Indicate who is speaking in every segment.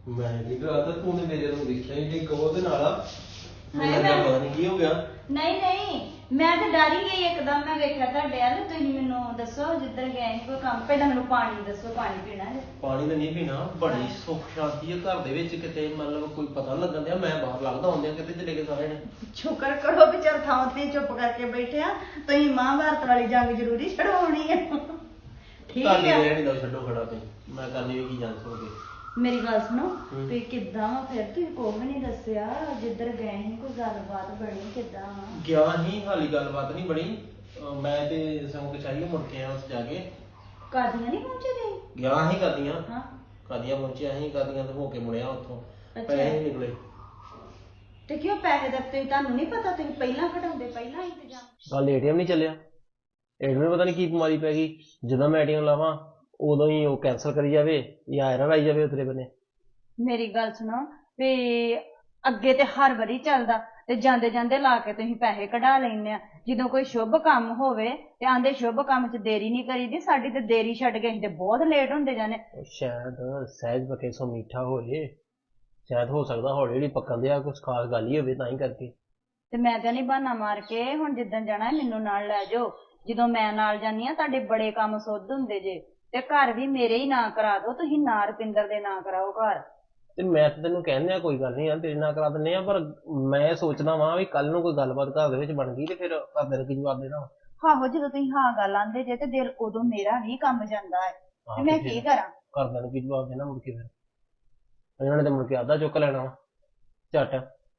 Speaker 1: ਮੈਂ ਨਹੀਂ ਕਰਾਤਾ ਤੂੰ ਨੇ ਮੇਰੇ ਨੂੰ ਦੇਖਿਆ ਹੀ ਨਹੀਂ ਕਹੋ ਤੇ ਨਾਲਾ
Speaker 2: ਮੈਂ
Speaker 1: ਪਤਾ ਨਹੀਂ ਕੀ ਹੋ ਗਿਆ।
Speaker 2: ਨਹੀਂ ਮੈਂ ਤਾਂ ਡਰ ਹੀ ਗਈ ਇੱਕਦਮ। ਮੈਂ ਵੇਖਿਆ ਤੁਹਾਡੇ ਵੱਲ। ਤੁਸੀਂ ਮੈਨੂੰ ਦੱਸੋ ਜਿੱਧਰ ਗਏ ਸੀ ਕੋਈ ਕੰਮ, ਪਹਿਲਾਂ ਮੈਨੂੰ ਪਾਣੀ ਦੱਸੋ, ਪਾਣੀ ਪੀਣਾ ਹੈ।
Speaker 1: ਪਾਣੀ ਤਾਂ ਨਹੀਂ ਪੀਣਾ, ਬੜੀ ਸੁੱਖ ਸ਼ਾਂਤੀ ਹੈ ਘਰ ਦੇ ਵਿੱਚ, ਕਿਤੇ ਮਤਲਬ ਕੋਈ ਪਤਾ ਨੀ ਲੱਗਣ ਦਿਆ। ਮੈਂ ਬਾਹਰ ਲੱਗਦਾ ਹੁੰਦਿਆਂ ਕਿਤੇ ਚਲੇ ਗਏ ਸਾਰੇ ਨੇ।
Speaker 2: ਸ਼ੁਕਰ ਕਰੋ ਵੀ ਚੱਲ ਥਾਂ ਤੇ ਚੁੱਪ ਕਰਕੇ ਬੈਠਿਆ। ਤੁਸੀਂ ਮਹਾਭਾਰਤ ਵਾਲੀ ਜੰਗ ਜ਼ਰੂਰੀ ਛਡਵਾਉਣੀ ਹੈ। ਠੀਕ
Speaker 1: ਤੁਹਾਡੀ
Speaker 2: ਹੈ,
Speaker 1: ਰਹਿਣੀ ਦਾ ਛੱਡੋ ਖੜਾ ਤੇ ਮੈਂ ਕਰਨੀ ਵੀ ਕੀ ਜਾਣ ਸਕੋਗੇ।
Speaker 2: ਮੇਰੀ ਗੱਲ ਸੁਣੋ। ਤੁਸੀਂ ਕਿੱਦਾਂ ਵਾ ਫਿਰ? ਤੁਸੀਂ ਕੁਛ ਵੀ ਨਹੀਂ ਦੱਸਿਆ। ਜਿੱਧਰ ਗਏ ਸੀ ਕੋਈ ਗੱਲਬਾਤ ਬਣੀ ਕਿੱਦਾਂ ਵਾ?
Speaker 1: ਗਿਆ ਹੀ ਹਾਲੀ ਗੱਲਬਾਤ ਨਹੀਂ ਬਣੀ। ਮੈਂ ਤੇ ਸੰਗ ਚਾਹੀਏ ਮੁੜ ਕੇ ਆਇਆ ਉਸ ਜਾ ਕੇ।
Speaker 2: ਕਾਦੀਆਂ ਨਹੀਂ ਪਹੁੰਚੇ ਗਏ?
Speaker 1: ਗਿਆ ਹੀ ਕਰਦੀਆਂ।
Speaker 2: ਹਾਂ,
Speaker 1: ਕਾਦੀਆਂ ਪਹੁੰਚਿਆ ਸੀ, ਕਾਦੀਆਂ ਤੇ ਹੋ ਕੇ ਮੁੜਿਆ ਉੱਥੋਂ।
Speaker 2: ਅੱਛਾ।
Speaker 1: ਪੈਸੇ ਨਹੀਂ ਨਿਕਲੇ।
Speaker 2: ਤੇ ਕਿਉਂ ਪੈਸੇ ਦਾ ਤੁਹਾਨੂੰ ਨਹੀਂ ਪਤਾ? ਤੁਸੀਂ ਪਹਿਲਾਂ ਕਢਾਉਂਦੇ, ਪਹਿਲਾਂ ਇੰਤਜ਼ਾਮ।
Speaker 1: ਕੱਲ ਏਟੀਐਮ ਨਹੀਂ ਚੱਲਿਆ। ਏਟੀਐਮ ਪਤਾ ਨਹੀਂ ਕੀ ਬਿਮਾਰੀ ਪੈ ਗਈ। ਜਦੋਂ ਮੈਂ ਏਟੀਐਮ ਲਾਵਾਂ ਉਦੋਂ ਹੀ ਉਹ ਕੈਂਸਲ ਕਰੀ ਜਾਵੇ ਜਾਂ ਐਰਰ ਆਈ ਜਾਵੇ ਉਤਰੇ ਬੰਨੇ।
Speaker 2: ਮੇਰੀ ਗੱਲ ਸੁਣੋ ਵੀ ਅੱਗੇ ਤੇ ਹਰ ਵਾਰੀ ਚੱਲਦਾ ਤੇ ਜਾਂਦੇ ਜਾਂਦੇ ਲਾ ਕੇ ਤੁਸੀਂ ਪੈਸੇ ਕਢਾ ਲੈਂਦੇ ਆ। ਜਦੋਂ ਕੋਈ ਸ਼ੁਭ ਕੰਮ ਹੋਵੇ ਤੇ ਆਂਦੇ ਸ਼ੁਭ ਕੰਮ 'ਚ ਦੇਰੀ ਨਹੀਂ ਕਰੀਦੀ। ਸਾਡੀ ਤੇ ਦੇਰੀ ਛੱਡ ਕੇ ਅਸੀਂ ਤੇ ਬਹੁਤ ਲੇਟ ਹੁੰਦੇ ਜਾਂਦੇ।
Speaker 1: ਸ਼ਾਇਦ ਸਹਿਜ ਪੱਕੇ ਸੋ ਮਿੱਠਾ ਹੋ ਜੇ, ਸ਼ਾਇਦ ਹੋ ਸਕਦਾ ਹੌਲੀ ਹੌਲੀ ਪੱਕਣ ਦਿਆ ਕੁਛ ਖਾਸ ਗੱਲ ਹੀ ਹੋਵੇ ਤਾਂ ਹੀ ਕਰਕੇ।
Speaker 2: ਤੇ ਮੈਂ ਤਾਂ ਨਹੀਂ ਬਹਾਨਾ ਮਾਰ ਕੇ ਹੁਣ ਜਿੱਦਣ ਜਾਣਾ ਮੈਨੂੰ ਨਾਲ ਲੈ ਜਾਓ। ਜਦੋਂ ਮੈਂ ਨਾਲ ਜਾਂਦੀ ਆ ਤੁਹਾਡੇ ਬੜੇ ਕੰਮ ਸੁੱਧ ਹੁੰਦੇ ਜੇ। ਤੇ ਘਰ ਵੀ ਮੇਰੇ ਹੀ ਨਾਂ ਕਰਾ ਦਿਓ ਤੁਸੀਂ, ਨਾ ਰੁਪਿੰਦਰ ਦੇ ਨਾਂ ਕਰਾਓ ਘਰ।
Speaker 1: ਤੇ ਮੈਂ ਤਾਂ ਤੈਨੂੰ ਕਹਿੰਦੇ ਆ ਕੋਈ ਗੱਲ ਨਹੀਂ ਯਾਰ ਤੇਰੇ ਨਾਲ ਕਰਾ ਦਿੰਦੇ ਆ, ਪਰ ਮੈਂ ਸੋਚਦਾ ਵਾਂ ਵੀ ਕੱਲ ਨੂੰ ਕੋਈ ਗੱਲਬਾਤ ਘਰ ਦੇ ਵਿੱਚ ਬਣ ਗਈ ਤੇ ਫਿਰ ਘਰਦਿਆਂ ਨੂੰ ਕੀ ਜਵਾਬ ਦੇਣਾ।
Speaker 2: ਆਹੋ, ਜਦੋਂ ਤੁਸੀਂ ਹਾਂ ਗੱਲ ਆਂਦੇ ਜੇ ਤੇ ਦਿਲ ਉਦੋਂ ਮੇਰਾ ਨਹੀਂ ਕੰਮ ਜਾਂਦਾ ਹੈ ਤੇ ਮੈਂ ਕੀ ਕਰਾਂ?
Speaker 1: ਘਰਦਿਆਂ ਨੂੰ ਕੀ ਜਵਾਬ ਦੇਣਾ ਮੁੜ ਕੇ? ਫਿਰ ਇਹਨਾਂ ਨੇ ਤਾਂ ਮੁੜ ਕੇ ਆਦਾ ਚੁੱਕ ਲੈਣਾ ਵਾ ਝੱਟ।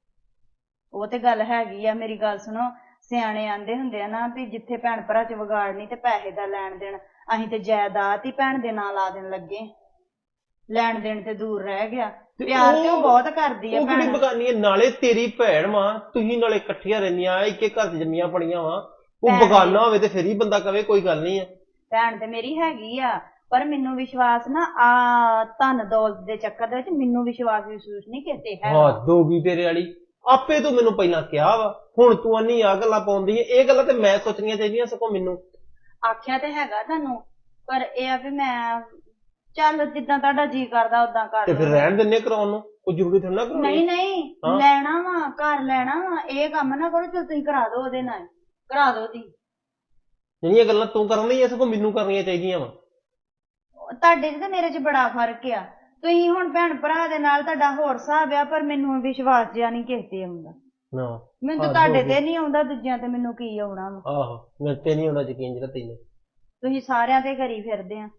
Speaker 2: ਉਹ ਤੇ ਗੱਲ ਹੈਗੀ ਆ। ਮੇਰੀ ਗੱਲ ਸੁਣੋ, ਸਿਆਣੇ ਆਂਦੇ ਹੁੰਦੇ ਆ ਨਾ ਵੀ ਜਿੱਥੇ ਭੈਣ ਭਰਾ 'ਚ ਵਿਗਾੜ ਨਹੀਂ ਤੇ ਪੈਸੇ ਦਾ ਲੈਣ ਦੇਣ। ਅਸੀਂ ਤੇ ਜਾਇਦਾਦ ਹੀ ਭੈਣ ਦੇ ਨਾਂ ਲਾ ਦੇਣ ਲੱਗੇ। ਲੈਣ ਦੇਣ ਤੇ ਦੂਰ ਰਹਿ ਗਿਆ। ਪਿਆਰ ਤੇ ਉਹ ਬਹੁਤ ਕਰਦੀ ਆ
Speaker 1: ਉਹ ਕਿਹੜੀ
Speaker 2: ਭੈਣ।
Speaker 1: ਬਗਾਨੀ ਹੈ? ਨਾਲੇ ਤੇਰੀ ਭੈਣ ਵਾਂ, ਤੁਸੀਂ ਨਾਲੇ ਇਕੱਠੀਆਂ ਰਹਿੰਦੀਆਂ ਇੱਕ ਇੱਕ ਘਰ 'ਚ ਜੰਮੀਆਂ ਪੜੀਆਂ ਵਾਂ। ਉਹ ਬਗਾਨਾ ਹੋਵੇ ਤੇ ਫਿਰ ਹੀ ਬੰਦਾ ਕਵੇ ਕੋਈ ਗੱਲ ਨਹੀਂ ਆ।
Speaker 2: ਭੈਣ ਤੇ ਮੇਰੀ ਹੈਗੀ ਆ, ਪਰ ਮੈਨੂੰ ਵਿਸ਼ਵਾਸ ਨਾ ਆ ਧਨ ਦੌਲਤ ਦੇ ਚੱਕਰ ਦੇ ਵਿੱਚ ਮੈਨੂੰ ਵਿਸ਼ਵਾਸ ਨਹੀਂ ਕਿਸੇ ਹੈ।
Speaker 1: ਹੱਦ ਹੋ ਗਈ ਤੇਰੇ ਵਾਲੀ। ਆਪੇ ਤੂੰ ਮੈਨੂੰ ਪਹਿਲਾਂ ਕਿਹਾ ਵਾ, ਹੁਣ ਤੂੰ ਆਨੀ ਆ ਗੱਲਾਂ ਪਾਉਂਦੀ ਹੈ। ਇਹ ਗੱਲਾਂ ਤੇ ਮੈਂ ਸੋਚਣੀਆਂ ਚਾਹੀਦੀਆਂ ਸਗੋਂ ਮੈਨੂੰ।
Speaker 2: ਆਖਿਆ ਤੇ ਹੈਗਾ ਤੁਹਾਨੂੰ, ਪਰ ਇਹ ਆ ਵੀ ਮੈਂ ਚੱਲ ਜਿੱਦਾਂ ਤੁਹਾਡਾ ਜੀ ਕਰਦਾ ਉਦਾਂ ਕਰ
Speaker 1: ਤੇ ਫਿਰ ਰਹਿਣ ਦਿੰਨੇ ਕਰਾਉਣ ਨੂੰ, ਕੋਈ ਜ਼ਰੂਰੀ ਥੋੜਾ ਨਾ ਕਰਾਉਣੀ।
Speaker 2: ਨਹੀਂ ਲੈਣਾ ਵਾ, ਘਰ ਲੈਣਾ ਵਾ। ਇਹ ਕੰਮ ਨਾ ਕਰੋ ਜੋ ਤੁਸੀਂ ਕਰਾ ਦਿਓ ਉਹਦੇ ਨਾਲ, ਕਰਾ ਦਿਓ ਦੀ।
Speaker 1: ਜਿਹੜੀਆਂ ਗੱਲਾਂ ਤੂੰ ਕਰਨ ਲਈ ਸਗੋਂ ਮੈਨੂੰ ਕਰਨੀਆਂ ਚਾਹੀਦੀਆਂ ਵਾ।
Speaker 2: ਤੁਹਾਡੇ ਚ ਤੇ ਮੇਰੇ ਚ ਬੜਾ ਫਰਕ ਆ। ਤੁਸੀਂ ਹੁਣ ਭੈਣ ਭਰਾ ਦੇ ਨਾਲ ਤੁਹਾਡਾ ਹੋਰ ਹਿਸਾਬ ਆ, ਪਰ ਮੈਨੂੰ ਵਿਸ਼ਵਾਸ ਜਿਆ ਨਹੀਂ ਕਿਸੇ ਤੇ ਆਉਂਦਾ। ਮੈਨੂੰ ਤਾਂ ਤੁਹਾਡੇ ਤੇ ਨਹੀਂ ਆਉਂਦਾ, ਦੂਜਿਆਂ ਤੇ ਮੈਨੂੰ ਕੀ ਆਉਣਾ ਵਾ।
Speaker 1: ਆਹੋ, ਮੇਰੇ ਤੇ ਨਹੀਂ ਆਉਂਦਾ ਯਕੀਨ ਜਿਹੜਾ ਤੈਨੂੰ।
Speaker 2: ਤੁਸੀਂ ਸਾਰਿਆਂ ਤੇ ਕਰੀ ਫਿਰਦੇ ਆ।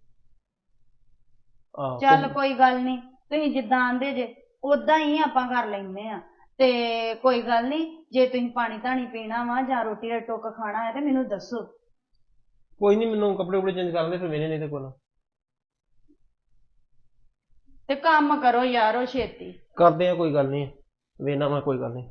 Speaker 2: ਚੱਲ ਕੋਈ ਗੱਲ ਨਹੀਂ, ਤੁਸੀਂ ਜਿੱਦਾਂ ਆਂਦੇ ਜੇ ਉਦਾਂ ਹੀ ਆਪਾਂ ਕਰ ਲੈਂਦੇ ਆ। ਤੇ ਕੋਈ ਗੱਲ ਨਹੀਂ, ਜੇ ਤੁਸੀਂ ਪਾਣੀ ਧਾਣੀ ਪੀਣਾ ਵਾ ਜਾਂ ਰੋਟੀ ਦਾ ਟੁੱਕ ਖਾਣਾ ਹੈ ਤੇ ਮੈਨੂੰ ਦੱਸੋ।
Speaker 1: ਕੋਈ ਨਹੀਂ, ਮੈਨੂੰ ਕੱਪੜੇ ਕੁਪੜੇ ਚੇਂਜ ਕਰ ਲੈ ਫਿਰ ਵੇਲੇ ਨਹੀਂ ਤੇ ਕੋਲ।
Speaker 2: ਤੇ ਕੰਮ ਕਰੋ ਯਾਰੋ ਛੇਤੀ।
Speaker 1: ਕਰਦੇ ਆ, ਕੋਈ ਗੱਲ ਨਹੀਂ ਵੇਨਾ ਮੈਂ, ਕੋਈ ਗੱਲ ਨਹੀਂ।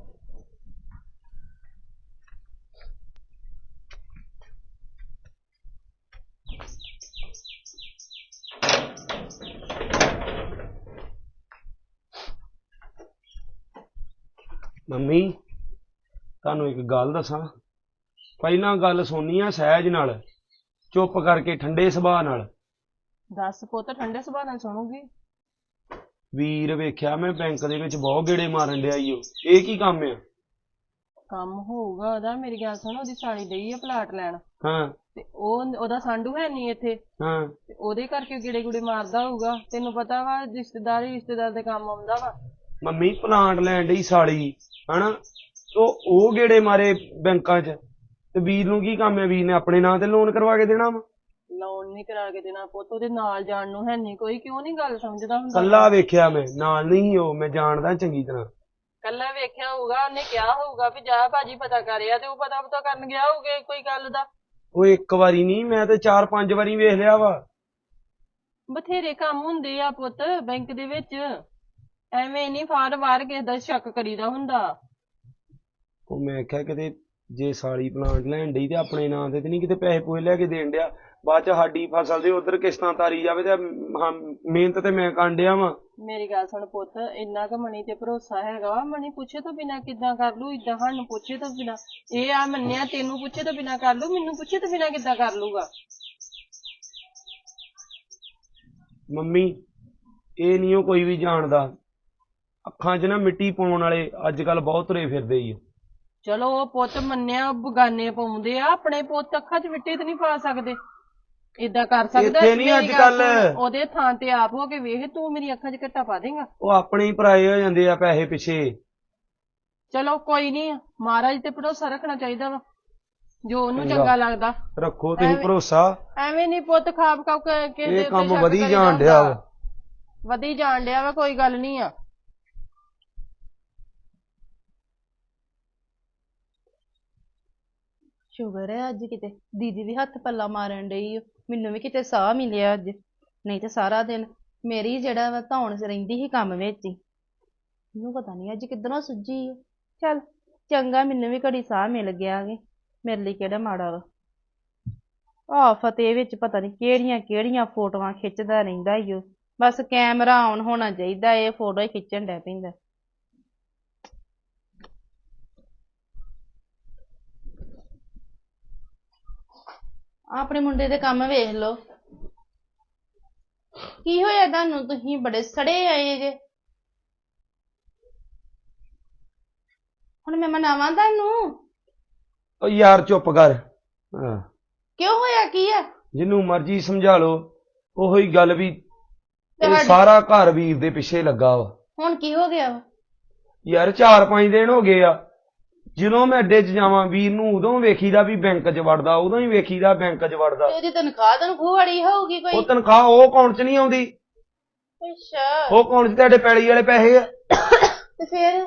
Speaker 3: ਮੰਮੀ ਤੁਹਾਨੂੰ ਇੱਕ ਗੱਲ ਦੱਸਾਂ। ਪਹਿਲਾਂ ਗੱਲ ਸੁਣਨੀ ਆ ਸਹਿਜ ਨਾਲ, ਚੁੱਪ ਕਰਕੇ ਠੰਡੇ ਸੁਭਾਅ ਨਾਲ।
Speaker 4: ਦੱਸ ਪੁੱਤ, ਠੰਡੇ ਸੁਭਾਅ ਨਾਲ ਸੁਣੂਗੀ।
Speaker 3: ਵੀਰ ਵੇਖਿਆ ਮੈਂ ਬੈਂਕ ਦੇ ਵਿੱਚ ਬਹੁਤ ਗੇੜੇ ਮਾਰਨ ਡਿਆ ਈ ਓ। ਇਹ ਕੀ ਕੰਮ ਆ?
Speaker 4: ਕੰਮ ਹੋਊਗਾ ਉਹਦਾ। ਮੇਰੀ ਗੱਲ ਸੁਣ, ਉਹਦੀ ਸਾਲੀ ਡਈ ਆ ਪਲਾਟ ਲੈਣ।
Speaker 3: ਹਾਂ
Speaker 4: ਤੇ ਉਹਦਾ ਸਾਂਢੂ ਹੈ ਨਹੀਂ ਇੱਥੇ।
Speaker 3: ਹਾਂ,
Speaker 4: ਤੇ ਉਹਦੇ ਕਰਕੇ ਗੇੜੇ ਗੁੜੇ ਮਾਰਦਾ ਹੋਊਗਾ। ਤੈਨੂੰ ਪਤਾ ਵਾ ਰਿਸ਼ਤੇਦਾਰ ਦੇ ਕੰਮ ਆਉਂਦਾ ਵਾ।
Speaker 3: ਮੰਮੀ ਪਲਾਂਟ ਲੈਣ ਡਈ ਸਾਲੀ, ਹਨਾ? ਉਹ ਗੇੜੇ ਮਾਰੇ ਬੈਂਕਾਂ 'ਚ ਤੇ ਵੀਰ ਨੂੰ ਕੀ ਕੰਮ ਹੈ? ਵੀਰ ਨੇ ਆਪਣੇ ਨਾਂ ਤੇ ਲੋਨ ਕਰਵਾ ਕੇ ਦੇਣਾ ਵਾ।
Speaker 4: ਲੋਨ ਨਹੀਂ ਕਰਾ ਕੇ ਦੇਣਾ ਪੁੱਤ, ਉਹਦੇ ਨਾਲ ਜਾਣ ਨੂੰ ਹੈ ਨਹੀਂ ਕੋਈ। ਕਿਉਂ ਨਹੀਂ ਗੱਲ ਸਮਝਦਾ ਹੁੰਦਾ?
Speaker 3: ਕੱਲਾ ਵੇਖਿਆ ਮੈਂ, ਨਾਲ ਨਹੀਂ ਉਹ, ਮੈਂ ਜਾਣਦਾ ਚੰਗੀ ਤਰ੍ਹਾਂ।
Speaker 4: ਕੱਲਾ ਵੇਖਿਆ ਹੋਊਗਾ, ਉਹਨੇ ਕਿਹਾ ਹੋਊਗਾ ਵੀ ਜਾ ਭਾਜੀ ਪਤਾ ਕਰਿਆ, ਤੇ ਉਹ ਪਤਾ ਕਰਨ ਗਿਆ ਹੋਊਗਾ ਕੋਈ ਗੱਲ ਦਾ।
Speaker 3: ਉਹ ਇੱਕ ਵਾਰੀ ਨਹੀਂ, ਮੈਂ ਤੇ 4-5 ਵਾਰੀ ਵੇਖ ਲਿਆ ਵਾ।
Speaker 4: ਬਥੇਰੇ ਕੰਮ ਹੁੰਦੇ ਆ ਪੁੱਤ ਬੈਂਕ ਦੇ ਵਿੱਚ। ਐਵੇਂ ਨਹੀਂ ਫਾਰ ਵਾਰ ਕਿਸੇ ਦਾ ਸ਼ੱਕ ਕਰੀਦਾ ਹੁੰਦਾ।
Speaker 3: ਉਹ ਮੈਂ ਕਿਹਾ ਕਿਤੇ ਜੇ ਸਾਲੀ ਪਲਾਂਟ ਲੈਣ ਡਈ ਤੇ ਆਪਣੇ ਨਾਂ ਤੇ ਨਹੀਂ ਕਿਤੇ ਪੈਸੇ ਪੂਸੇ ਲੈ ਕੇ ਦੇਣ ਡਿਆ, ਬਾਅਦ ਚ ਸਾਡੀ ਫਸਲ ਦੇ ਉਧਰ ਕਿਸ਼ਤਾਂ ਤਾਰੀ ਜਾਵੇ। ਤੇ ਮਿਹਨਤ ਤੇ ਮੈਂ ਕਰਨ ਡਿਆ ਵਾਂ।
Speaker 4: ਮੇਰੀ ਗੱਲ ਸੁਣ ਪੁੱਤ, ਇੰਨਾ ਕੁ ਮਣੀ ਤੇ ਭਰੋਸਾ ਹੈਗਾ ਵਾ? ਮਣੀ ਪੁੱਛੇ ਤੋਂ ਬਿਨਾਂ ਕਿੱਦਾਂ ਕਰ ਲੂ? ਇਦਾਂ ਸਾਨੂੰ ਪੁੱਛੇ ਤੋਂ ਬਿਨਾਂ ਇਹ ਆ ਮੰਨਿਆ, ਤੈਨੂੰ ਪੁੱਛੇ ਤੋਂ ਬਿਨਾਂ ਕਰ ਲੂ, ਮੈਨੂੰ ਪੁੱਛੇ ਤੋਂ ਬਿਨਾਂ ਕਿੱਦਾਂ ਕਰ ਲੂਗਾ?
Speaker 3: ਮੰਮੀ ਇਹ ਨਹੀਂ ਉਹ ਕੋਈ ਵੀ ਜਾਣਦਾ। ਅੱਖਾਂ 'ਚ ਨਾ ਮਿੱਟੀ ਪਾਉਣ ਵਾਲੇ ਅੱਜ ਕੱਲ ਬਹੁਤ ਤੁਰੇ ਫਿਰਦੇ ਹੀ ਆ।
Speaker 4: ਚਲੋ ਉਹ ਪੁੱਤ ਮੰਨਿਆ ਬਗਾਨੇ ਪਾਉਂਦੇ ਆ, ਆਪਣੇ ਪੁੱਤ ਅੱਖਾਂ 'ਚ ਮਿੱਟੀ ਤੇ ਨਹੀਂ ਪਾ ਸਕਦੇ। ਏਦਾਂ ਕਰ ਸਕਦਾ?
Speaker 3: ਇੱਥੇ ਨੀ
Speaker 4: ਮੇਰੀ
Speaker 3: ਅੱਜ
Speaker 4: ਗੱਲ
Speaker 3: ਕੱਲ੍ਹ।
Speaker 4: ਸੁਣ, ਉਹਦੇ ਥਾਂ ਤੇ ਆਪ ਹੋ ਕੇ ਵੇਖ, ਤੂੰ ਮੇਰੀ ਅੱਖਾਂ 'ਚ ਘੱਟਾ ਪਾ ਦੇਂਗਾ?
Speaker 3: ਉਹ ਆਪਣੇ ਹੀ ਪਰਾਏ ਹੋ ਜਾਂਦੇ ਆ ਪੈਸੇ ਪਿੱਛੇ।
Speaker 4: ਚਲੋ ਕੋਈ ਨਹੀਂ, ਮਹਾਰਾਜ ਤੇ ਭਰੋਸਾ ਰੱਖਣਾ ਚਾਹੀਦਾ ਵਾ, ਜੋ ਉਹਨੂੰ
Speaker 3: ਚੰਗਾ।
Speaker 4: ਚੰਗਾ ਲੱਗਦਾ।
Speaker 3: ਰੱਖੋ ਤੁਸੀਂ ਭਰੋਸਾ।
Speaker 4: ਐਵੇਂ ਨਹੀਂ ਪੁੱਤ ਖਾਬ ਖਾਬ ਕਿਸੇ ਦੇ
Speaker 3: ਇਹ
Speaker 4: ਉੱਤੇ
Speaker 3: ਕੰਮ
Speaker 4: ਸ਼ੱਕ
Speaker 3: ਵਧੀ
Speaker 4: ਕਰੀਦਾ
Speaker 3: ਜਾਣ ਡਿਆ
Speaker 4: ਹੁੰਦਾ।
Speaker 3: ਵਾ।
Speaker 4: ਵਧੀ ਜਾਣ ਡਿਆ ਵਾ, ਕੋਈ ਗੱਲ ਨਹੀਂ ਆ।
Speaker 5: ਸ਼ੁਗਰ ਹੈ ਅੱਜ ਕਿਤੇ ਦੀਦੀ ਵੀ ਹੱਥ ਪੱਲਾ ਮਾਰਨ ਡਈ ਓ। ਮੈਨੂੰ ਵੀ ਕਿਤੇ ਸਾਹ ਮਿਲਿਆ ਅੱਜ, ਨਹੀਂ ਤੇ ਸਾਰਾ ਦਿਨ ਮੇਰੀ ਜਿਹੜਾ ਵਾ ਧੌਣ ਰਹਿੰਦੀ ਸੀ ਕੰਮ ਵਿੱਚ ਹੀ। ਮੈਨੂੰ ਪਤਾ ਨਹੀਂ ਅੱਜ ਕਿੱਧਰੋਂ ਸੁੱਜੀ ਓ। ਚੱਲ ਚੰਗਾ, ਮੈਨੂੰ ਵੀ ਘੜੀ ਸਾਹ ਮਿਲ ਗਿਆ ਗੇ, ਮੇਰੇ ਲਈ ਕਿਹੜਾ ਮਾੜਾ ਵਾ। ਆਹ ਫਤਿਹ ਵਿੱਚ ਪਤਾ ਨਹੀਂ ਕਿਹੜੀਆਂ ਕਿਹੜੀਆਂ ਫੋਟੋਆਂ ਖਿੱਚਦਾ ਰਹਿੰਦਾ ਈ ਓ। ਬਸ ਕੈਮਰਾ ਆਨ ਹੋਣਾ ਚਾਹੀਦਾ, ਇਹ ਫੋਟੋ ਹੀ ਖਿੱਚਣ ਡੈ ਪੈਂਦਾ। ਆਪਣੇ ਮੁੰਡੇ ਦੇ ਕੰਮ ਵੇਖ ਲਓ। ਕੀ ਹੋਇਆ ਤੁਹਾਨੂੰ? ਤੁਸੀਂ ਬੜੇ ਸੜੇ ਆਏ ਜੇ। ਹੁਣ ਮੈਂ ਮਨਾਵਾਂ ਤੁਹਾਨੂੰ?
Speaker 3: ਉਹ ਯਾਰ ਚੁੱਪ ਕਰ। ਹਾਂ,
Speaker 5: ਕਿਉਂ ਹੋਇਆ ਕੀ ਆ?
Speaker 3: ਜਿਹਨੂੰ ਮਰਜ਼ੀ ਸਮਝਾ ਲਓ, ਉਹੋ ਹੀ ਗੱਲ ਵੀ ਇਹ
Speaker 5: ਤੁਹਾਡੀ-
Speaker 3: ਸਾਰਾ ਘਰ ਵੀਰ ਦੇ ਪਿੱਛੇ ਲੱਗਾ ਵਾ।
Speaker 5: ਹੁਣ ਕੀ ਹੋ ਗਿਆ ਵਾ?
Speaker 3: ਯਾਰ 4-5 ਦਿਨ ਹੋ ਗਏ ਆ, ਜਦੋਂ ਮੈਂ ਅੱਡੇ 'ਚ ਜਾਵਾਂ ਵੀਰ ਨੂੰ ਉਦੋਂ ਵੇਖੀਦਾ ਵੀ ਬੈਂਕ 'ਚ ਵੜਦਾ, ਉਦੋਂ ਹੀ ਵੇਖੀਦਾ ਬੈਂਕ 'ਚ ਵੜਦਾ।
Speaker 5: ਤੇ ਉਹਦੀ ਤਨਖਾਹ ਵਾਲੀ ਹੋਊਗੀ ਕੋਈ?
Speaker 3: ਉਹ ਤਨਖਾਹ ਉਹ ਅਕਾਊਂਟ 'ਚ ਨਹੀਂ ਆਉਂਦੀ।
Speaker 5: ਅੱਛਾ,
Speaker 3: ਉਹ ਅਕਾਊਂਟ 'ਚ ਤੁਹਾਡੇ ਪੈਲੀ ਵਾਲੇ ਪੈਸੇ ਆ।
Speaker 5: ਤੇ ਫਿਰ?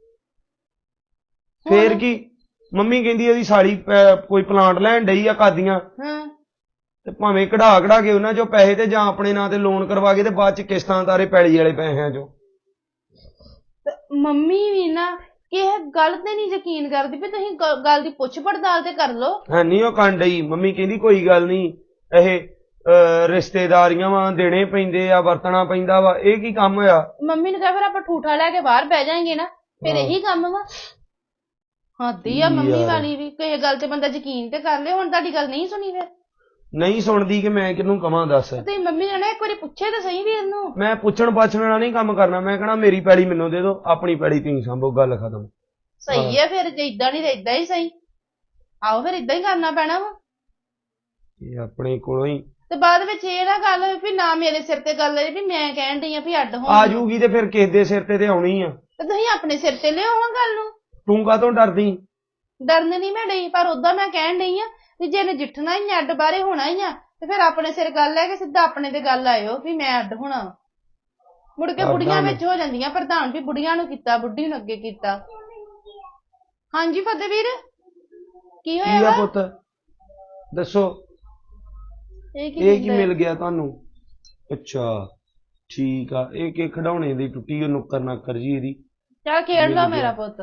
Speaker 3: ਫੇਰ ਕੀ, ਮੰਮੀ ਕਹਿੰਦੀ ਉਹਦੀ ਸਾਲੀ ਕੋਈ ਪਲਾਂਟ ਲੈਣ ਡਈ ਆ ਕਾਦੀਆਂ,
Speaker 5: ਹਾਂ,
Speaker 3: ਤੇ ਭਾਵੇਂ ਕਢਾ ਕੇ ਉਹਨਾਂ 'ਚੋਂ ਪੈਸੇ ਤੇ ਜਾਂ ਆਪਣੇ ਨਾਂ ਤੇ ਲੋਨ ਕਰਵਾ ਕੇ ਤੇ ਬਾਅਦ 'ਚ ਕਿਸ਼ਤਾਂ ਤਾਰੇ ਪੈਲੀ ਵਾਲੇ ਪੈਸਿਆਂ 'ਚੋਂ।
Speaker 5: ਤੇ ਮੰਮੀ ਵੀ ਨਾ ਕਿਸੇ ਗੱਲ ਤੇ ਨਹੀਂ ਯਕੀਨ ਕਰਦੀ ਵੀ ਤੁਸੀਂ ਗੱਲ ਦੀ ਪੁੱਛ ਪੜਤਾਲ ਤੇ ਕਰ ਲਓ।
Speaker 3: ਹੈ ਨਹੀਂ ਉਹ ਕੰਡ ਡਈ। ਮੰਮੀ ਕਹਿੰਦੀ ਕੋਈ ਗੱਲ ਨਹੀਂ, ਇਹ ਰਿਸ਼ਤੇਦਾਰੀਆਂ ਵਾ, ਦੇਣੇ ਪੈਂਦੇ ਆ, ਵਰਤਣਾ ਪੈਂਦਾ ਵਾ, ਇਹ ਕੀ ਕੰਮ ਹੋਇਆ।
Speaker 5: ਮੰਮੀ ਨੂੰ ਕਹਾਂ ਫਿਰ ਆਪਾਂ ਠੂਠਾ ਲੈ ਕੇ ਬਾਹਰ ਬਹਿ ਜਾਏਂਗੇ ਨਾ, ਫਿਰ ਇਹੀ ਕੰਮ ਵਾ। ਹੱਦੀ ਆ ਮੰਮੀ
Speaker 3: ਯਾਰ।
Speaker 5: ਵਾਲੀ ਵੀ, ਕਿਸੇ ਗੱਲ ਤੇ ਬੰਦਾ ਯਕੀਨ ਤੇ ਕਰ ਲੇ। ਹੁਣ ਤੁਹਾਡੀ ਗੱਲ ਨਹੀਂ ਸੁਣੀ ਫਿਰ?
Speaker 3: ਨਹੀਂ ਸੁਣਦੀ ਕਿ ਮੈਂ ਕਿਹਨੂੰ ਕਵਾਂ ਦੱਸ।
Speaker 5: ਤੁਸੀਂ ਮੰਮੀ ਨੇ ਨਾ ਇੱਕ ਵਾਰੀ ਪੁੱਛੇ ਤਾਂ ਸਹੀ ਵੀਰ ਨੂੰ।
Speaker 3: ਮੈਂ ਪੁੱਛਣ ਪਾਛਣ ਵਾਲਾ ਨਹੀਂ ਕੰਮ ਕਰਨਾ। ਮੈਂ ਕਹਣਾ ਮੇਰੀ ਪੈਲੀ ਮੈਨੂੰ ਦੇ ਦਿਓ, ਆਪਣੀ ਪੈਲੀ ਤੁਸੀਂ ਸੰਭੋ, ਗੱਲ ਖਤਮ।
Speaker 5: ਸਹੀ ਹੈ ਫਿਰ, ਜੇ ਇਦਾਂ ਨਹੀਂ ਤੇ ਇਦਾਂ ਹੀ ਸਹੀ। ਆਓ ਫਿਰ ਇਦਾਂ ਹੀ ਕਰਨਾ ਪੈਣਾ ਵਾ।
Speaker 3: ਇਹ ਆਪਣੇ ਕੋਲੋਂ ਹੀ
Speaker 5: ਤੇ ਬਾਅਦ ਵਿੱਚ ਇਹ ਨਾ ਗੱਲ ਵੀ ਨਾ ਮੇਰੇ ਸਿਰ ਤੇ ਗੱਲ ਹੈ ਵੀ ਮੈਂ ਕਹਿਣ ਡਈ ਆ ਵੀ ਅੱਡ ਹੋ।
Speaker 3: ਆ ਜੂਗੀ ਤੇ ਫਿਰ ਕਿਸੇ ਦੇ ਸਿਰ ਤੇ ਆਉਣੀ ਆ।
Speaker 5: ਤੇ ਤੁਸੀਂ ਆਪਣੇ ਸਿਰ ਤੇ ਲਿਆਓ ਹਾਂ ਗੱਲ ਨੂੰ।
Speaker 3: ਤੂੰ ਕਾਹਤੋਂ ਡਰਦੀ?
Speaker 5: ਡਰਨ ਨਹੀਂ ਮੈਂ ਡਈ, ਪਰ ਉਦਾਂ ਮੈਂ ਕਹਿਣ ਡਈ ਆ ਵੀ ਜੇ ਨਜਿੱਠਣਾ ਹੀ ਆ, ਅੱਡ ਬਾਰੇ ਹੋਣਾ ਹੀ ਆ, ਤੇ ਫਿਰ ਆਪਣੇ ਸਿਰ ਗੱਲ ਲੈ ਕੇ ਸਿੱਧਾ ਆਪਣੇ ਤੇ ਗੱਲ ਆਇਓ ਵੀ ਮੈਂ ਅੱਡ ਹੋਣਾ। ਮੁੜ ਕੇ ਬੁੜੀਆਂ ਵਿੱਚ ਹੋ ਜਾਂਦੀਆਂ ਪ੍ਰਧਾਨ ਵੀ ਬੁੜੀਆਂ ਨੂੰ ਕੀਤਾ, ਬੁੱਢੀ ਨੂੰ ਅੱਗੇ ਕੀਤਾ। ਹਾਂਜੀ ਫਤਿਹ ਵੀਰ, ਕੀ
Speaker 3: ਕੀ
Speaker 5: ਹੋਇਆ
Speaker 3: ਆ
Speaker 5: ਵਾ?
Speaker 3: ਪੁੱਤ ਦੱਸੋ,
Speaker 5: ਇਹ
Speaker 3: ਇਹ ਕੀ
Speaker 5: ਹੁੰਦਾ?
Speaker 3: ਮਿਲ ਗਿਆ ਤੁਹਾਨੂੰ? ਅੱਛਾ ਠੀਕ ਆ, ਇਹ ਕਿ ਖਿਡੌਣੇ ਦੀ ਟੁੱਟੀ ਉਹ ਨੁੱਕਰ ਨਾਕਰ ਜੀ ਇਹਦੀ।
Speaker 5: ਚੱਲ ਖੇਡ
Speaker 3: ਮਿਲ
Speaker 5: ਲਾ
Speaker 3: ਗਿਆ।
Speaker 5: ਮੇਰਾ ਪੁੱਤ।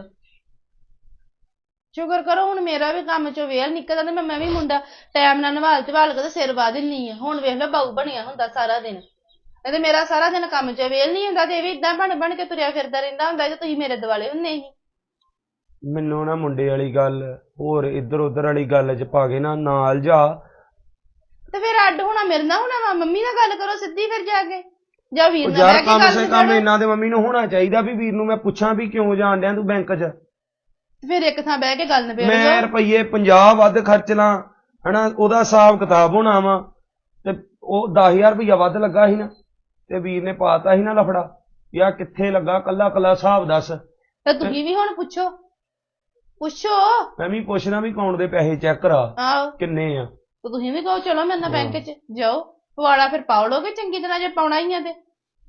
Speaker 5: ਸ਼ੁਕਰ ਕਰੋ ਹੁਣ ਮੇਰਾ ਵੀ ਕੰਮ ਚੋਂ ਵੇਲ ਨਿਕਲ ਜਾਂਦਾ, ਮੈਂ ਵੀ ਮੁੰਡਾ ਟਾਈਮ ਨਾਲ ਨਵਾਲ ਧਵਾਲ ਕੇ ਤੇ ਸਿਰ ਵਾ ਦਿੰਨੀ ਆ। ਹੁਣ ਵੇਖ ਲਓ ਬਾਊ ਬਣਿਆ ਹੁੰਦਾ ਸਾਰਾ ਦਿਨ, ਨਹੀਂ ਤੇ ਮੇਰਾ ਸਾਰਾ ਦਿਨ ਕੰਮ ਚੋਂ ਵੇਲ ਨਹੀਂ ਹੁੰਦਾ, ਤੇ ਇਹ ਵੀ ਇਦਾਂ ਬਣ ਕੇ ਤੁਰਿਆ ਫਿਰਦਾ ਰਹਿੰਦਾ ਹੁੰਦਾ ਜੇ ਤੁਸੀਂ ਮੇਰੇ ਦੁਆਲੇ ਹੁੰਦੇ ਸੀ।
Speaker 3: ਮੈਨੂੰ ਨਾ ਮੁੰਡੇ ਵਾਲੀ ਗੱਲ ਹੋਰ ਇੱਧਰ ਉੱਧਰ ਵਾਲੀ ਗੱਲ 'ਚ ਪਾ ਕੇ ਨਾ ਨਾਲ ਜਾ।
Speaker 5: ਤੇ ਫਿਰ ਅੱਡ ਹੋਣਾ ਮੇਰੇ ਨਾਲ ਹੋਣਾ ਵਾ? ਮੰਮੀ ਨਾਲ ਗੱਲ ਕਰੋ ਸਿੱਧੀ ਫਿਰ ਜਾ ਕੇ, ਜਾਂ ਵੀਰ
Speaker 3: ਉਹ
Speaker 5: ਨਾਲ
Speaker 3: ਯਾਰ
Speaker 5: ਬਹਿ ਕੇ
Speaker 3: ਕੰਮ
Speaker 5: ਗੱਲ
Speaker 3: ਸੇ ਕੰਮ
Speaker 5: ਕਰੋ।
Speaker 3: ਇਹਨਾਂ ਦੇ ਮੰਮੀ ਨੂੰ ਹੋਣਾ ਚਾਹੀਦਾ ਵੀ ਵੀਰ ਨੂੰ ਮੈਂ ਪੁੱਛਾਂ ਵੀ ਕਿਉਂ ਜਾਣ ਡਿਆ ਤੂੰ ਬੈਂਕ 'ਚ।
Speaker 5: ਫਿਰ ਇੱਕ ਥਾਂ ਬਹਿ ਕੇ ਗੱਲ ਨਿਬੇੜ
Speaker 3: ਮੈਂ
Speaker 5: ਲਓ।
Speaker 3: ਰੁਪਈਏ 50 ਵੱਧ ਖਰਚ ਲਾਂ ਹਨਾ, ਉਹਦਾ ਹਿਸਾਬ ਕਿਤਾਬ ਹੋਣਾ ਵਾ, ਤੇ ਉਹ 10,000 ਰੁਪਈਆ ਵੱਧ ਲੱਗਾ ਸੀ ਨਾ, ਤੇ ਵੀਰ ਨੇ ਪਾਤਾ ਸੀ ਨਾ ਲਫੜਾ। ਯਾਰ ਕਿੱਥੇ ਲੱਗਾ, ਕੱਲਾ ਕੱਲਾ ਹਿਸਾਬ ਦੱਸ।
Speaker 5: ਤੇ ਤੁਸੀਂ ਵੀ ਹੁਣ ਪੁੱਛੋ।
Speaker 3: ਮੈਂ ਵੀ ਪੁੱਛਣਾ ਵੀ ਅਕਾਊਂਟ ਦੇ ਪੈਸੇ ਚੈੱਕ ਕਰਾ
Speaker 5: ਆਹੋ,
Speaker 3: ਕਿੰਨੇ ਆ।
Speaker 5: ਤੇ ਤੁਸੀਂ ਵੀ ਕਹੋ ਚਲੋ ਮੇਰੇ ਨਾਲ ਬੈਂਕ 'ਚ ਜਾਓ, ਪਵਾੜਾ ਫਿਰ ਪਾਉ ਲੋਗੇ ਚੰਗੀ ਤਰ੍ਹਾਂ ਜੇ ਪਾਉਣਾ ਹੀ ਆ ਤੇ।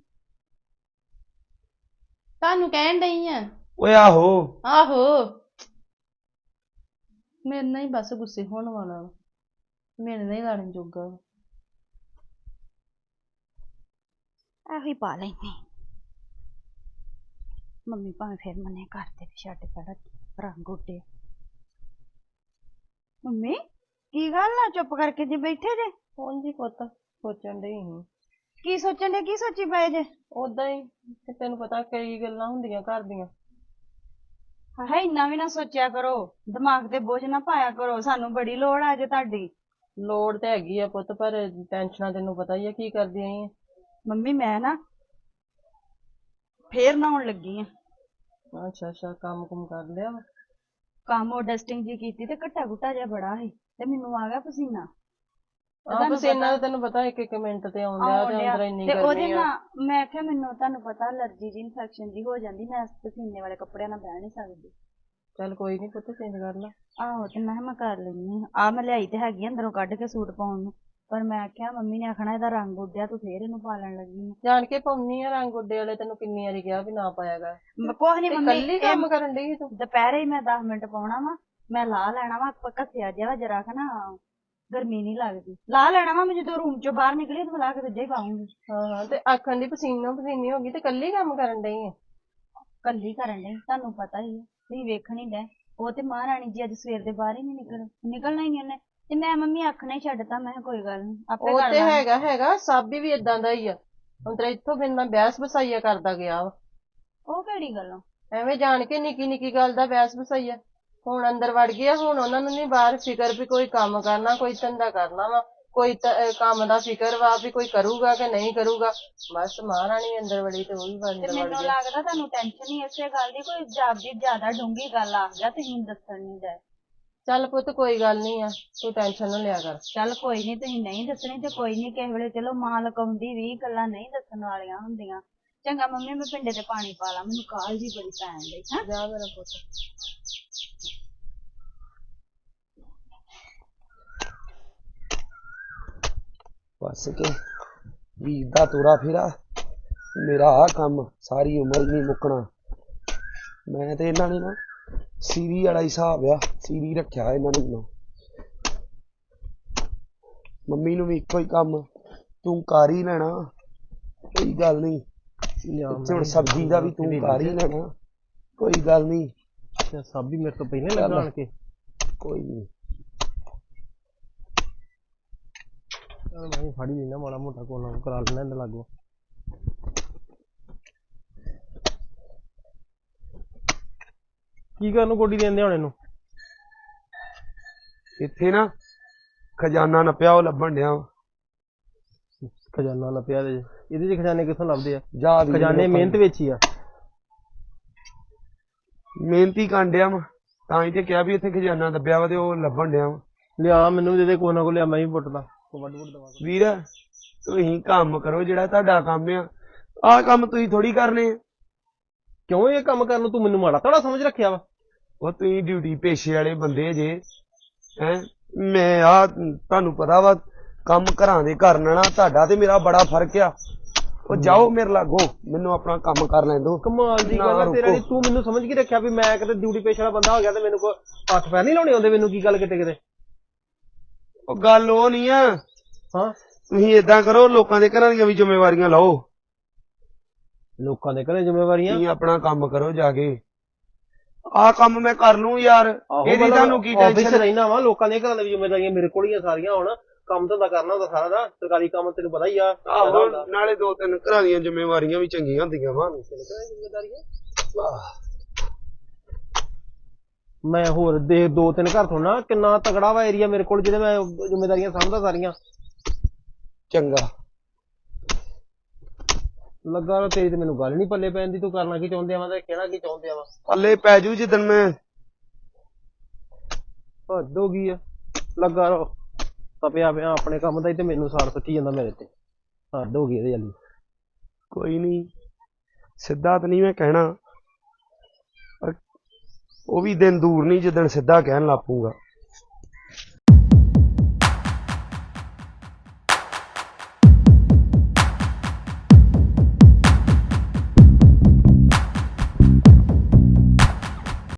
Speaker 5: ਤੁਹਾਨੂੰ ਕਹਿਣ ਡਈ ਆ।
Speaker 3: ਓਏ ਆਹੋ,
Speaker 5: ਆਹੋ, ਮੇਰੇ ਨਾਲ ਹੀ ਬਸ ਗੁੱਸੇ ਹੋਣ ਵਾਲਾ ਵਾ, ਮੇਰੇ ਨਾਲ ਹੀ ਲੜਨ ਜੋਗਾ ਵਾ। ਇਹੋ ਹੀ ਪਾ ਲੈਂਦੀ ਮੰਮੀ, ਭਾਵੇਂ ਫਿਰ ਮਨੇ ਕਰਦੇ ਵੀ ਛੱਡ ਪੜਾ ਰੰਗ ਉੱਡੇ। ਮੰਮੀ ਕੀ ਗੱਲ ਆ, ਚੁੱਪ ਕਰਕੇ ਜੀ ਬੈਠੇ ਜੇ?
Speaker 4: ਹਾਂਜੀ ਪੁੱਤ, ਸੋਚਣ ਡਈ ਸੀ।
Speaker 5: ਕੀ ਸੋਚਣ ਦੇ, ਕੀ ਸੋਚੀ ਪਏ ਜੇ?
Speaker 4: ਓਦਾਂ ਹੀ, ਤੇ ਤੈਨੂੰ ਪਤਾ ਕਈ ਗੱਲਾਂ ਹੁੰਦੀਆਂ ਘਰ ਦੀਆਂ।
Speaker 2: ਹਾਏ ਇੰਨਾ ਵੀ ਨਾ ਸੋਚਿਆ ਕਰੋ, ਦਿਮਾਗ ਤੇ ਬੋਝ ਨਾ ਪਾਇਆ ਕਰੋ, ਸਾਨੂੰ ਬੜੀ ਲੋੜ ਆ ਜੇ ਤੁਹਾਡੀ।
Speaker 4: ਲੋੜ ਤੇ ਹੈਗੀ ਆ ਪੁੱਤ, ਪਰ ਟੈਨਸ਼ਨਾਂ ਤੈਨੂੰ ਪਤਾ ਹੀ ਆ ਕੀ ਕਰਦੀਆਂ ਆਂ।
Speaker 2: ਮੰਮੀ ਮੈਂ ਨਾ ਫੇਰ ਨਹਾਉਣ ਲੱਗੀ ਆ।
Speaker 4: ਅੱਛਾ ਅੱਛਾ, ਕੰਮ ਕੁਮ ਕਰ ਲਿਆ ਵਾ?
Speaker 2: ਕੰਮ ਉਹ ਡਸਟਿੰਗ ਜੀ ਕੀਤੀ ਤੇ ਘੱਟਾ ਘੁੱਟਾ ਜਿਹਾ ਬੜਾ ਸੀ ਤੇ ਮੈਨੂੰ ਆ ਗਿਆ ਪਸੀਨਾ।
Speaker 4: ਪਸੀਨਾ ਤਾਂ ਤੈਨੂੰ ਪਤਾ ਇੱਕ ਇੱਕ ਮਿੰਟ ਤੇ ਆਉਣ ਡਿਆ ਤੇ ਅੰਦਰ ਇੰਨੀ
Speaker 2: ਤੇ ਉਹਦੇ
Speaker 4: ਗਰਮੀ ਆ।
Speaker 2: ਨਾਲ ਮੈਂ ਕਿਹਾ ਮੈਨੂੰ ਤੁਹਾਨੂੰ ਪਤਾ ਅਲਰਜੀ ਜੀ ਇਨਫੈਕਸ਼ਨ ਜੀ ਹੋ ਜਾਂਦੀ, ਮੈਂ ਪਸੀਨੇ ਵਾਲੇ ਕੱਪੜਿਆਂ ਨਾਲ ਬਹਿ ਨਹੀਂ ਸਕਦੀ।
Speaker 4: ਚੱਲ ਕੋਈ ਨੀ ਪੁੱਤ, ਚੇਂਜ ਕਰ ਲਾ।
Speaker 2: ਆਹੋ ਤੇ ਮੈਂ ਕਿਹਾ ਮੈਂ ਕਰ ਲੈਂਦੀ ਆ। ਮੈਂ ਲਿਆਈ ਤੇ ਹੈਗੀ ਅੰਦਰੋਂ ਕੱਢ ਕੇ ਸੂਟ ਪਾਉਣ ਨੂੰ, ਪਰ ਮੈਂ ਕਿਹਾ ਮੰਮੀ ਨੇ ਆਖਣਾ ਇਹਦਾ ਰੰਗ ਉੱਡਿਆ, ਤੂੰ ਫੇਰ ਇਹਨੂੰ ਪਾਲਣ ਲੱਗੀ ਆ।
Speaker 4: ਜਾਣ ਕੇ ਪਾਉਣੀ ਆ ਰੰਗ ਉੱਡੇ ਵਾਲੇ, ਤੈਨੂੰ ਕਿੰਨੀ ਵਾਰੀ ਕਿਹਾ ਵੀ ਨਾ ਪਾਇਆ ਕਰ।
Speaker 2: ਕੁਛ ਨੀ ਮੰਮੀ,
Speaker 4: ਕੱਲੀ ਕੰਮ ਕਰਨ ਡਈ ਤੂੰ?
Speaker 2: ਦੁਪਹਿਰੇ ਹੀ ਮੈਂ 10 ਮਿੰਟ ਪਾਉਣਾ ਵਾ, ਮੈਂ ਲਾ ਲੈਣਾ ਵਾ ਘਸਿਆ ਜਿਹਾ ਜਰਾ ਕ ਨਾ, ਗਰਮੀ ਨਹੀਂ ਲੱਗਦੀ। ਲਾ ਲੈਣਾ ਵਾ, ਮੈਂ ਜਦੋਂ ਰੂਮ ਚੋਂ ਬਾਹਰ ਨਿਕਲੀ ਤੇ ਲਾ ਕੇ ਦੂਜਾ ਹੀ ਪਾਉਂਗੀ।
Speaker 4: ਹਾਂ ਤੇ ਆਖਣ ਦੀ ਪਸੀਨੋ ਪਸੀਨੀ ਹੋ ਗਈ ਤੇ ਕੱਲੀ ਕੰਮ ਕਰਨ ਡਈ ਆ?
Speaker 2: ਕੱਲੀ ਕਰਨ ਡਈ, ਤੁਹਾਨੂੰ ਪਤਾ ਹੀ ਹੈ, ਤੁਸੀਂ ਵੇਖਣ ਹੀ ਡਏ। ਉਹ ਤੇ ਮਹਾਰਾਣੀ ਜੀ ਅੱਜ ਸਵੇਰ ਦੇ ਬਾਹਰ ਹੀ ਨਹੀਂ ਨਿਕਲਣਾ ਹੀ ਨਹੀਂ ਉਹਨੇ, ਤੇ ਮੈਂ ਮੰਮੀ ਆਖਣਾ ਹੀ ਛੱਡਤਾ। ਮੈਂ ਕਿਹਾ ਕੋਈ ਗੱਲ ਨਹੀਂ, ਆਪੇ
Speaker 4: ਉਹ
Speaker 2: ਕਰ
Speaker 4: ਤੇ
Speaker 2: ਲਾਂਗੇ।
Speaker 4: ਹੈਗਾ ਸਾਬੀ ਵੀ ਏਦਾਂ ਦਾ ਹੀ ਆ। ਹੁਣ ਤੇਰਾ ਇੱਥੋਂ ਬਿਨ ਮੈਂ ਬਹਿਸ ਬਸਾਈਆ ਕਰਦਾ ਗਿਆ ਵਾ।
Speaker 2: ਉਹ ਕਿਹੜੀ ਗੱਲੋਂ?
Speaker 4: ਐਵੇਂ ਜਾਣ ਕੇ ਨਿੱਕੀ ਨਿੱਕੀ ਗੱਲ ਦਾ ਬਹਿਸ ਬਸਾਈਆ। ਹੁਣ ਅੰਦਰ ਵੜ ਗਿਆ, ਹੁਣ ਉਹਨਾਂ ਨੂੰ ਨਹੀਂ ਬਾਹਰ ਫਿਕਰ ਵੀ ਕੋਈ ਕੰਮ ਕਰਨਾ, ਕੋਈ ਧੰਦਾ ਕਰਨਾ ਵਾ, ਕੋਈ ਕੰਮ ਦਾ ਫਿਕਰ ਵਾ ਵੀ ਕੋਈ ਕਰੂਗਾ ਕਿ ਨਹੀਂ ਕਰੂਗਾ। ਬਸ ਮਹਾਰਾਣੀ ਅੰਦਰ ਵੜੀ ਤੇ ਉਹ ਵੀ ਅੰਦਰ ਵੜ
Speaker 2: ਮੈਨੂੰ
Speaker 4: ਗਿਆ।
Speaker 2: ਲੱਗਦਾ ਤੁਹਾਨੂੰ ਟੈਨਸ਼ਨ ਹੀ ਇਸੇ ਗੱਲ ਦੀ, ਕੋਈ ਜਾਪਦੀ ਜ਼ਿਆਦਾ ਡੂੰਘੀ ਗੱਲ ਆ ਗਿਆ, ਤੁਸੀਂ ਦੱਸਣ ਨਹੀਂ ਡਏ।
Speaker 4: ਚੱਲ ਪੁੱਤ ਕੋਈ ਗੱਲ ਨਹੀਂ ਆ, ਤੂੰ ਟੈਨਸ਼ਨ ਨਾ ਲਿਆ ਕਰ।
Speaker 2: ਚੱਲ ਕੋਈ ਨਹੀਂ, ਤੁਸੀਂ ਨਹੀਂ ਦੱਸਣੀ ਤੇ ਕੋਈ ਨਹੀਂ, ਕਿਸੇ ਵੇਲੇ ਚਲੋ ਮਾਂ ਲਕਾਉਂਦੀ ਵੀ ਗੱਲਾਂ ਨਹੀਂ ਦੱਸਣ ਵਾਲੀਆਂ ਹੁੰਦੀਆਂ। ਚੰਗਾ ਮੰਮੀ, ਮੈਂ ਪਿੰਡੇ ਤੇ ਪਾਣੀ ਪਾ ਲਾ, ਮੈਨੂੰ ਕਾਹਲ ਜੀ ਬੜੀ ਪੈਣ ਡਈ। ਹਾਂ
Speaker 4: ਜਾ ਮੇਰਾ ਪੁੱਤ।
Speaker 3: ਬਸ ਕੇ ਵੀਰ ਦਾ ਤੋਰਾ ਫੇਰਾ, ਮੇਰਾ ਆਹ ਕੰਮ ਸਾਰੀ ਉਮਰ ਨਹੀਂ ਮੁੱਕਣਾ। ਮੈਂ ਤੇ ਇਹਨਾਂ ਨੇ ਨਾ ਸੀਰੀ ਵਾਲਾ ਹੀ ਹਿਸਾਬ ਆ, ਸੀਰੀ ਰੱਖਿਆ ਇਹਨਾਂ ਨੇ ਮੈਨੂੰ। ਮੰਮੀ ਨੂੰ ਵੀ ਇੱਕੋ ਹੀ ਕੰਮ, ਤੂੰ ਕਰ ਹੀ ਲੈਣਾ, ਕੋਈ ਗੱਲ ਨਹੀਂ। ਹੁਣ ਸਬਜ਼ੀ ਦਾ ਵੀ ਤੂੰ ਕਰ ਹੀ ਲੈਣਾ, ਕੋਈ ਗੱਲ ਨਹੀਂ।
Speaker 1: ਸਾਬੀ ਮੇਰੇ ਤੋਂ ਪਹਿਲਾਂ ਲੱਗਾ ਆਣ ਕੇ।
Speaker 3: ਕੋਈ ਨਹੀਂ,
Speaker 1: ਮੈਂ ਫੜੀ ਲੈਣਾ ਮਾੜਾ ਮੋਟਾ ਕੋਲ ਕਰਾ ਲੈਣਾ ਇਹਦੇ ਲਾਗੋਂ। ਕੀ ਕਰਨ ਨੂੰ ਗੋਡੀ ਦਿੰਦੇ ਹੁਣ ਇਹਨੂੰ?
Speaker 3: ਇੱਥੇ ਨਾ ਖਜ਼ਾਨਾ ਨੱਪਿਆ, ਉਹ ਲੱਭਣ ਡਿਆ ਵਾ।
Speaker 1: ਖਜ਼ਾਨਾ ਨੱਪਿਆ ਇਹਦੇ ਚ ਖਜ਼ਾਨੇ ਕਿੱਥੋਂ ਲੱਭਦੇ ਆ?
Speaker 3: ਜਾ ਵੀ
Speaker 1: ਖਜ਼ਾਨੇ ਮਿਹਨਤ ਵਿੱਚ ਹੀ ਆ।
Speaker 3: ਮਿਹਨਤੀ ਕਾਂਡਿਆ ਵਾ, ਤਾਂ ਹੀ ਤੇ ਕਿਹਾ ਵੀ ਇੱਥੇ ਖਜ਼ਾਨਾ ਦੱਬਿਆ ਵਾ ਤੇ ਉਹ ਲੱਭਣ ਡਿਆ ਵਾ।
Speaker 1: ਲਿਆ ਮੈਨੂੰ ਦੇ ਦੇ ਕੋਲ ਨਾ ਕੋਲ ਲਿਆ, ਮੈਂ ਵੀ ਪੁੱਟਦਾ ਵੱਡ ਵੱਡ ਦਵਾ।
Speaker 3: ਵੀਰ ਤੁਸੀਂ ਕੰਮ ਕਰੋ ਜਿਹੜਾ ਤੁਹਾਡਾ ਕੰਮ ਆ, ਆਹ ਕੰਮ ਤੁਸੀਂ ਥੋੜੀ ਕਰਨੇ ਆ।
Speaker 1: ਕਿਉਂ ਇਹ ਕੰਮ ਕਰਨ ਨੂੰ ਤੂੰ ਮੈਨੂੰ ਮਾੜਾ ਤਾੜਾ ਸਮਝ ਰੱਖਿਆ ਵਾ?
Speaker 3: ਉਹ ਤੁਸੀਂ ਡਿਊਟੀ ਪੇਸ਼ੇ ਵਾਲੇ ਬੰਦੇ ਜੇ ਹੈਂ। ਮੈਂ ਆ ਤੁਹਾਨੂੰ ਪਤਾ ਵਾ ਕੰਮ ਘਰਾਂ ਦੇ ਕਰਨ ਨਾਲ ਤੁਹਾਡਾ ਤੇ ਮੇਰਾ ਬੜਾ ਫਰਕ ਆ। ਉਹ ਜਾਓ ਮੇਰੇ ਲਾਗੋਂ, ਮੈਨੂੰ ਆਪਣਾ ਕੰਮ ਕਰ ਲੈਣ ਦੋ।
Speaker 1: ਕਮਾਲ ਦੀ ਗੱਲ ਆ ਤੇਰਾ, ਤੂੰ ਮੈਨੂੰ ਸਮਝ ਕੇ ਰੱਖਿਆ ਵੀ ਮੈਂ ਕਿਤੇ ਡਿਊਟੀ ਪੇਸ਼ੇ ਵਾਲਾ ਬੰਦਾ ਹੋ ਗਿਆ ਤੇ ਮੈਨੂੰ ਕੋਈ ਹੱਥ ਪੈਰ ਨਹੀਂ ਲਾਉਣੇ ਆਉਂਦੇ? ਮੈਨੂੰ ਕੀ ਗੱਲ ਕਿਤੇ ਕਿਤੇ?
Speaker 3: ਉਹ ਗੱਲ ਉਹ ਨਹੀਂ ਆ।
Speaker 1: ਹਾਂ
Speaker 3: ਤੁਸੀਂ ਏਦਾਂ ਕਰੋ, ਲੋਕਾਂ ਦੇ ਘਰਾਂ ਦੀਆਂ ਵੀ ਜ਼ਿੰਮੇਵਾਰੀਆਂ ਲਓ।
Speaker 1: ਲੋਕਾਂ ਦੇ ਘਰੇ ਜ਼ਿੰਮੇਵਾਰੀਆਂ?
Speaker 3: ਤੁਸੀਂ ਆਪਣਾ ਕੰਮ ਕਰੋ ਜਾ ਕੇ। ਆਹ ਕੰਮ ਮੈਂ ਕਰ ਲੂੰ ਯਾਰ, ਇਹਦੀ ਤੁਹਾਨੂੰ ਕੀ ਟੈਨਸ਼ਨ?
Speaker 1: ਰਹਿਣਾ ਵਾ, ਲੋਕਾਂ ਦੀਆਂ ਘਰਾਂ ਦੀਆਂ ਜ਼ਿੰਮੇਵਾਰੀਆਂ ਮੇਰੇ ਕੋਲ ਹੀ ਆ ਸਾਰੀਆਂ। ਹੁਣ ਕੰਮ ਧੰਦਾ ਕਰਨਾ ਹੁੰਦਾ ਸਾਰਾ ਦਾ, ਸਰਕਾਰੀ ਕੰਮ ਤੈਨੂੰ ਪਤਾ ਹੀ ਆ।
Speaker 3: ਆਹੋ, ਨਾਲੇ 2-3 ਘਰਾਂ ਦੀਆਂ ਜ਼ਿੰਮੇਵਾਰੀਆਂ ਵੀ ਚੰਗੀਆਂ ਹੁੰਦੀਆਂ ਵਾ।
Speaker 1: ਮੈਂ ਹੋਰ ਦੇ 2-3 ਘਰ ਥੋੜਾ, ਕਿੰਨਾ ਤਗੜਾ ਵਾ ਏਰੀਆ ਮੇਰੇ ਕੋਲ ਜਿਹਦੇ ਮੈਂ ਜ਼ਿੰਮੇਵਾਰੀਆਂ ਸਮਝਦਾ ਸਾਰੀਆਂ।
Speaker 3: ਚੰਗਾ
Speaker 1: ਲੱਗਾ ਤੇਰੀ ਤੇ ਮੈਨੂੰ ਗੱਲ ਨਹੀਂ ਪੱਲੇ ਪੈਣ ਦੀ। ਤੂੰ ਕਰਨਾ ਕੀ ਚਾਹੁੰਦੇ ਆ ਤੇ ਕਹਿਣਾ ਕੀ ਚਾਹੁੰਦੇ ਆ?
Speaker 3: ਪੱਲੇ ਪੈ ਜੂ ਜਿੱਦਣ ਮੈਂ।
Speaker 1: ਹੱਦ ਹੋ ਗਈ ਆ, ਲੱਗਾ ਰੋ ਤਪਿਆ ਪਿਆ ਆਪਣੇ ਕੰਮ ਦਾ ਹੀ ਤੇ ਮੈਨੂੰ ਸਾੜ ਸੁੱਟੀ ਜਾਂਦਾ ਮੇਰੇ ਤੇ। ਹੱਦ ਹੋ ਗਈ ਇਹਦੇ ਵਾਲੀ।
Speaker 3: ਕੋਈ ਨਹੀਂ, ਸਿੱਧਾ ਤਾਂ ਨਹੀਂ ਮੈਂ ਕਹਿਣਾ, ਪਰ ਉਹ ਵੀ ਦਿਨ ਦੂਰ ਨਹੀਂ ਜਿੱਦਣ ਸਿੱਧਾ ਕਹਿਣ ਲੱਗ ਪਊਗਾ।